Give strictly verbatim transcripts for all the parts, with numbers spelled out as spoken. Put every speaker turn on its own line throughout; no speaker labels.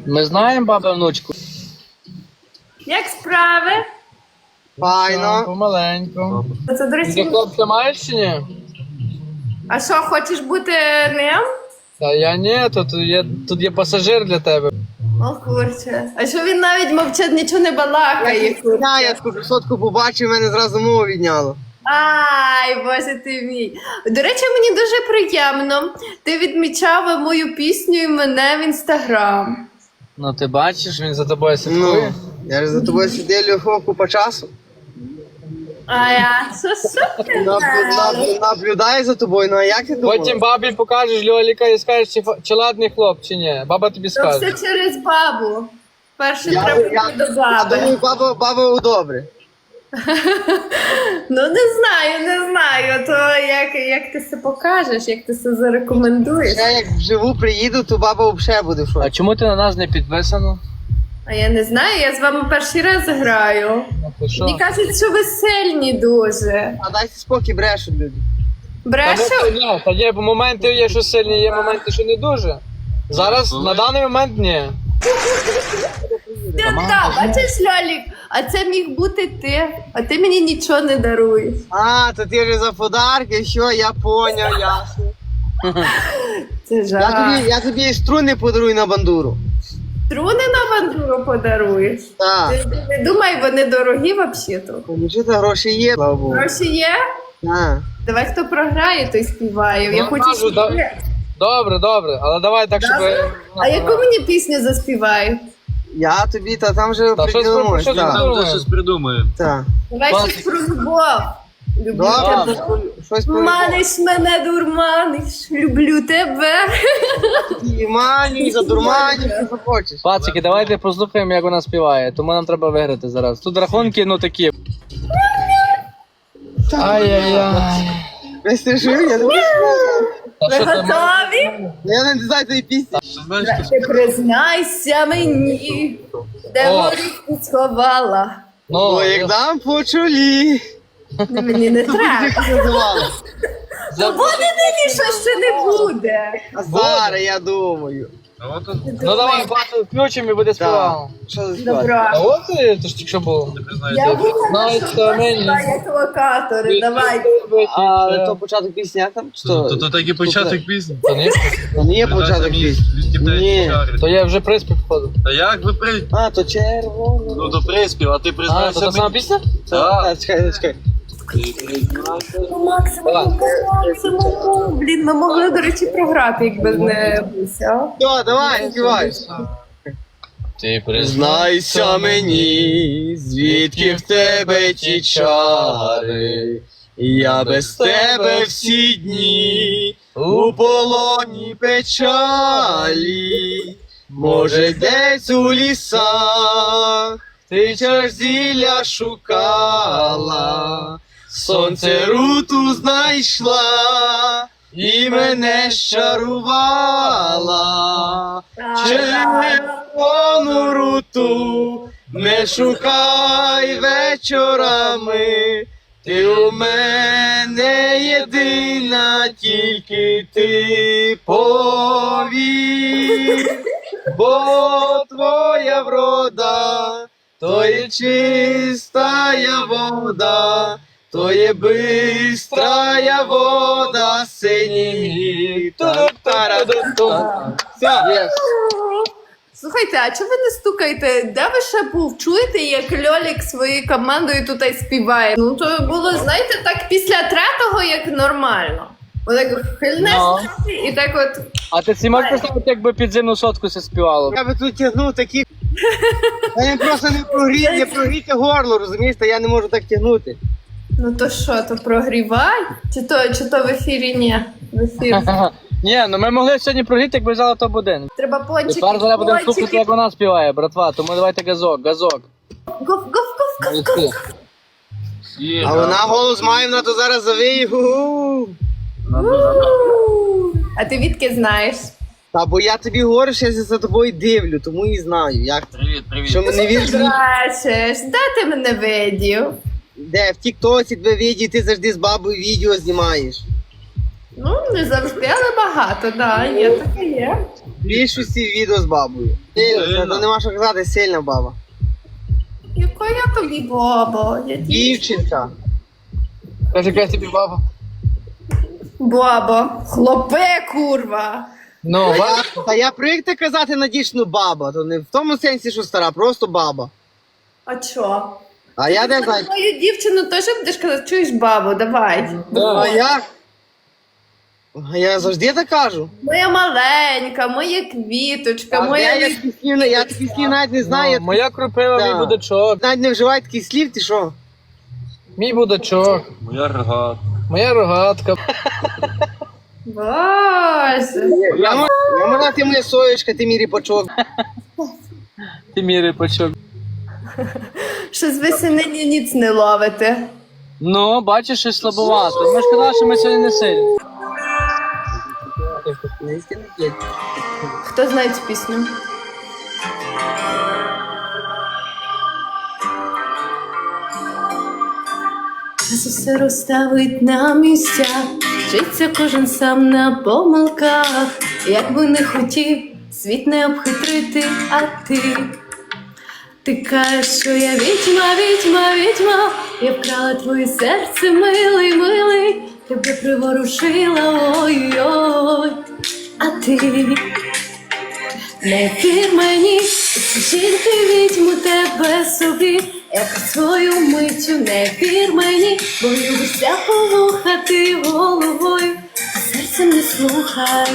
Ми знаємо бабу внучку.
Як справи?
Файно.
Помаленьку.
Це, до
Ти
речі,
хлопця маєш чи ні?
а що, хочеш бути ним?
Та я ні, тут є, тут є пасажир для тебе.
О, курче. А що він навіть мовчать, нічого не балакає?
Я, я таку красотку побачив, мене зразу мову відняло.
Ай, боже ти мій. До речі, мені дуже приємно. Ти відмічав мою пісню і мене в інстаграм.
Ну ти бачиш, він за тобою слідкує.
Ну, я ж за тобою сиділю купа часу.
А я, що, що ти
Наб-
знаєш?
наб- Наблюдаю за тобою, ну а як ти думала?
Потім бабі покажеш Льоліка і скажеш, чи, фа- чи ладний хлоп, чи ні. Баба тобі
То
скаже.
все через бабу. Перше
Я-
треба
я-
йти до
Я
баби.
думаю, баба, баба у добре.
Ну не знаю, не знаю. То як, як ти це покажеш, як ти це зарекомендуєш.
Я як вживу приїду, то баба взагалі буде в
А
шоці.
чому ти на нас не підписано?
А я не знаю, я з вами перший раз граю.
Ну, ти що?
Мені кажуть, що ви сильні дуже.
А дайте спокій, брешуть люди.
Та
Брешу?
ну, ні, та є моменти є, що сильні, є моменти, що не дуже. Зараз, на даний момент, ні.
Так, так, бачиш, Льолік, а це міг бути ти, а ти мені нічого не даруєш.
А, то ти вже за подарки, що, я поняв, ясно.
Це
Я
жах.
тобі, я тобі струни подарую на бандуру.
Струни на бандуру подаруєш.
Так.
Ти, ти не думай, вони дорогі взагалі-то.
Ну що, та гроші є, слава Богу.
Гроші є?
Так.
Давай хто програє, той співає. Я
Ну,
хочу
кажу, да.
співати.
Добре, добре, але давай так, щоб...
Добре? А яку мені пісню заспівають?
Я тобі, та там вже
Та щось
приділимось.
про- про-
Так,
Думаю.
Там щось придумає.
так.
Давай
Клас.
щось про любов. Люблю
Добре,
тебе.
щось- щось про
Маниш мене, дурманиш, люблю тебе.
і маню, і задурманю, що хочеш.
Пацики, давайте послухаємо, як вона співає, тому нам треба виграти зараз. Тут рахунки, ну такі. Ай-яй-яй.
Ви страшили, я не можу.
Та
Ви
що ти, ма-
готові?
Я не знаю цієї пісні.
Що знаєш,
Ти признайся мені, де
О.
горіху сховала.
Ну,
О, як дам по чолі.
Не, мені не треба.
Як це називали?
То буде нині, що ще не буде.
А зараз я думаю.
а от тут
ну давай, бачу, включимо і буде співало.
Що за співати?
Добро.
А от ти, то ж тільки що було.
не
Я
признаєте.
думала, що
Знаєте, мені.
це як локатори, давай.
А то початок пісні, а там? Чи
То,
то?
то, то такий початок пісні.
То ні?
То не є початок пісні. Ні.
То я вже приспів входив.
Та як ви при...
А, то червоно.
Ну то приспів, а ти
А, то
признайся
та сама
мені.
пісня?
Так.
А, чекай, чекай.
Ти признайся.
По максимуму, по максимуму. Блін, ми могли, до речі, програти, якби не Буся.
Все, давай, співай.
Ти
Знайся мені, звідки в тебе ті чари, я без тебе всі дні у полоні печалі, може десь у лісах ти чаш зілля шукала, сонце руту знайшла і мене щарувала. Червону руту не шукай вечорами, ти у мене єдина, тільки ти повір, бо твоя врода, то є чистая вода, то є бистрая вода, синій та-та-та-та. Все.
Слухайте, а чого ви не стукаєте? Де ви ще був? Чуєте, як Льолік своєю командою тут і співає? Ну то було, знаєте, так після третього, як нормально. Отак хильне
Ну.
і так от.
А ти всі можеш представити, якби підземну сотку це співало?
Я би тут тягнув такі. Я просто не прогріти, не прогріти горло, розумієш, та я не можу так тягнути.
Ну то що, то прогрівай? Чи то, чи то в ефірі ні? В ефірі.
Ні, ну ми могли сьогодні прогріти, якби взяли топ-один.
Треба пончики.
Тепер зараз будемо слухати,
пончики.
як вона співає, братва, тому давайте газок, газок.
Гоф, гоф, гоф, гоф, гоф.
Молодці.
А вона голос має, вона то зараз завиє. Гу-гу.
У. А ти відки знаєш?
Та бо я тобі говорю, що я за тобою дивлю, тому і знаю. Як ти?
Привіт, привіт.
Що мене вірш?
Бачиш, де ти мене видів?
Де? В Тіктоці тебе відео, ти завжди з бабою відео знімаєш.
Ну, не завжди, але багато, да, є таке є.
більшості відео з бабою. Сильно, це
Сильно.
то нема що казати, сильна баба.
Яка я тобі баба? Я ді-
Дівчинка.
Каже, яка тобі баба.
Баба. Хлопе, курва.
Ну,
Та
ба-
я, та я привик так казати надічну баба, то не в тому сенсі, що стара, просто баба.
А чо?
А я не знаю.
Мою дівчину теж будеш казати, чуєш бабу, давай.
Да.
А як? А я завжди так кажу.
Моя маленька, моя квіточка,
А
моя...
я, я, такі слів, я такі слів навіть не знаю.
ну, моя кропива,
Да.
мій будачок.
Навіть не вживаю таких слів, ти що?
Мій будачок.
Моя рогата.
Моя рогатка.
Боже.
Я, мо- я можна, ти моя соєчка, ти мій ріпачок.
Ти мій рипачок.
Щось ви сьогодні ніц не ловите.
Ну, бачиш, щось слабовато. Ми ж казали, що ми сьогодні не сильні.
Хто знає цю пісню? Час усе розставить на місця, вчиться кожен сам на помилках. Як би не хотів світ не обхитрити, а ти. Ти кажеш, що я відьма, відьма, відьма, я вкрала твоє серце, милий, милий, тебе приворушила, ой-ой, а ти не вір мені, жінки відьму тебе собі, як свою миттю не вір мені, бо любишся полухати головою, а серцем не слухай.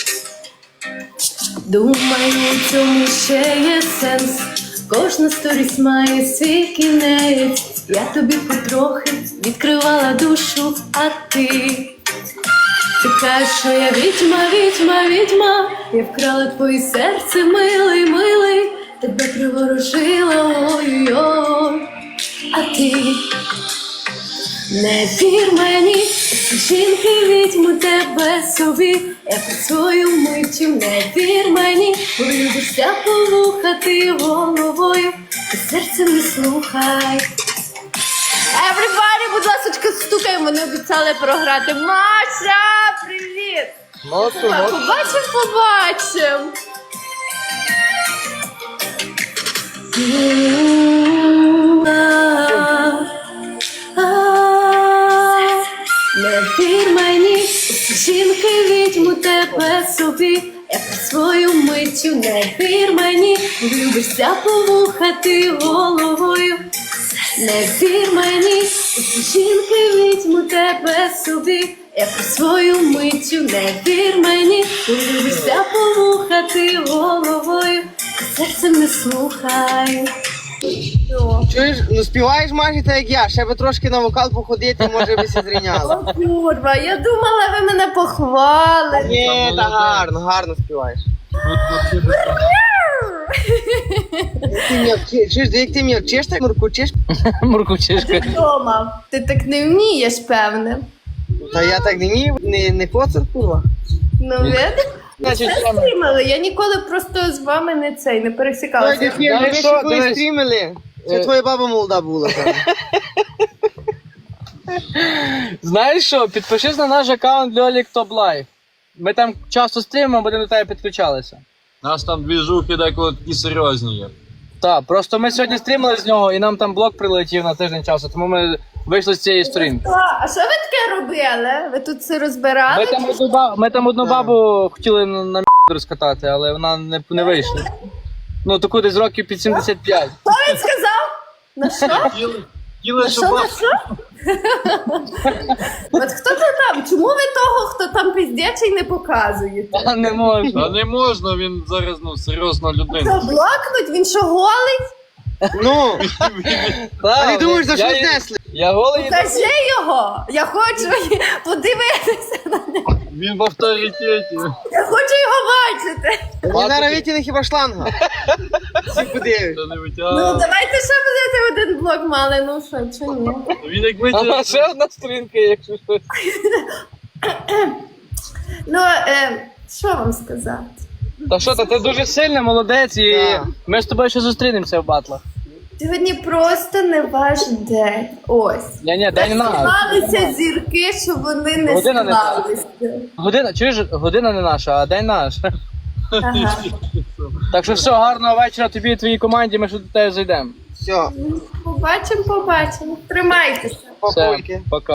Думаю, у цьому ще є сенс. Кожна сторіс має свій кінець. Я тобі потрохи відкривала душу, а ти. Ти кажеш, що я відьма, відьма, відьма. Я вкрала твоє серце, милий, милий. Тебе приворожила, ой-ой, а ти. Не вір мені, всі жінки відьму тебе собі, як свою миттю не вір мені, бо любишся полухати головою, ти серцем не слухай. Everybody, будь ласочка, стукаємо, вони обіцяли програти. Маша, привіт!
Молодцю,
Так,
молодцю.
побачив, побачив. Не вір мені, усі жінки відьму тебе собі, як свою миттю не вір мені, любишся повухати головою. Не вір мені, усі жінки відьму тебе собі, як свою миттю не вір мені, любишся повухати головою, серцем не слухай.
Чуєш, ну співаєш майже так як я, ще би трошки на вокал походити, може би се зрівняла.
О, курва, я думала, ви мене похвалите.
Ні, та гарно, гарно співаєш. Як ти мене вчи- Чуєш, як ти мене вчиш, так муркучиш?
Муркучишка.
Дома. Ти так не вмієш, певне.
Та я так не вмію, не, не коцар, курва.
Ну, видиш?
Значить,
Це
саме.
стрімили. Я ніколи просто з вами не цей, не
Ой,
пересікалася.
дефір,
Знаєш
ви
що,
ще коли
дивись.
стрімили? Це
Е.
твоя баба молода була. певно.
Знаєш що, підпишись на наш аккаунт Льолік Топ Лайф. Ми там часто стрімимо, будемо до тебе підключалися.
Нас там двіжухи деколи такі серйозні є.
Так, просто ми сьогодні стрімили з нього і нам там блок прилетів на тиждень часу, тому ми вийшли з цієї сторінки.
А, а що ви таке робили? Ви тут це розбирали?
Ми там одну, ба- ми там одну
Так.
бабу хотіли на, на розкатати, але вона не, не вийшла. Ну, таку десь років під сімдесят п'ять.
Що він сказав? На що?
Хотіли, хотіли,
На
щоб
що, на
баб-
що? От хто це там? Чому ви того, хто там піздячий, не показуєте?
А не можу.
Та не можна, він зараз ну, серйозна
Що,
людина.
блокнуть? Він що, голий?
Ну, а не думаєш, за що
я,
знесли?
я голий.
Покажи його! Я хочу подивитися на нього.
Він в авторитеті.
Я хочу його бачити.
Мені зараз витягне хіба шланга. Всі подивиш.
Та не
Ну,
витягав.
давайте ще будете один блок мали, ну що, чи ні?
Він як
А
витягав.
ще одна сторінка, якщо щось.
Ну, е, що вам сказати?
Та що, та ти дуже сильна, молодець, і
Так.
ми з тобою ще зустрінемося в батлах.
Сьогодні просто не ваш день. Ось.
Ні, ні, дай не надо.
Склалися зірки, щоб вони не
Година не
склалися.
Година, чуєш, година не наша, а день наш.
Ага.
Так що все, гарного вечора тобі і твоїй команді, ми ще до тебе зайдемо.
Все,
Побачимо, побачимо. Тримайтеся.
Все,
папульки.
пока.